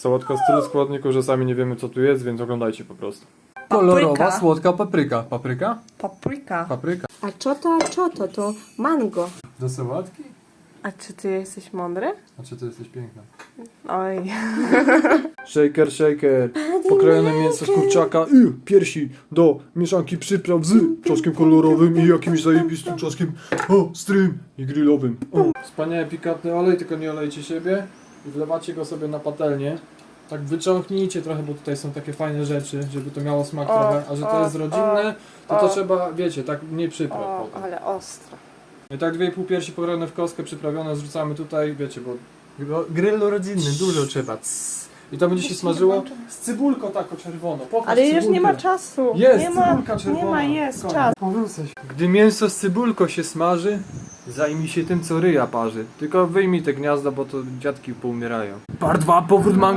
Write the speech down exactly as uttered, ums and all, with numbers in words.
Sałatka z tylu składników, że sami nie wiemy co tu jest, więc oglądajcie po prostu. Kolorowa, Papryka. słodka papryka. Papryka? Papryka. Papryka. A co to, a co to? To mango. Do sałatki? A czy ty jesteś mądry? A czy ty jesteś piękna? Oj. Shaker, shaker. Pokrojone mięso z kurczaka i piersi do mieszanki przypraw z czosnkiem kolorowym i jakimś zajebistym czosnkiem ostrym i grillowym. O. Wspaniały, pikantny olej, tylko nie olejcie siebie i wlewacie go sobie na patelnię. Tak wyciągnijcie trochę, bo tutaj są takie fajne rzeczy, żeby to miało smak O, trochę, a że to o, jest rodzinne, to o. to trzeba, wiecie, tak nie przypraw O, potem. ale ostro. I tak dwie i pół piersi pokrojone w kostkę, przyprawione, zrzucamy tutaj, wiecie, bo grill rodzinny, dużo trzeba. Css. I to będzie się smażyło z cybulką taką czerwoną. Pokaż Ale już cybulkę. nie ma czasu. Jest, nie ma, cybulka czerwona. nie ma, jest Koniec. czas. Gdy mięso z cybulką się smaży, zajmij się tym, co ryja parzy. Tylko wyjmij te gniazda, bo to dziadki poumierają. Part dwa, powrót mango.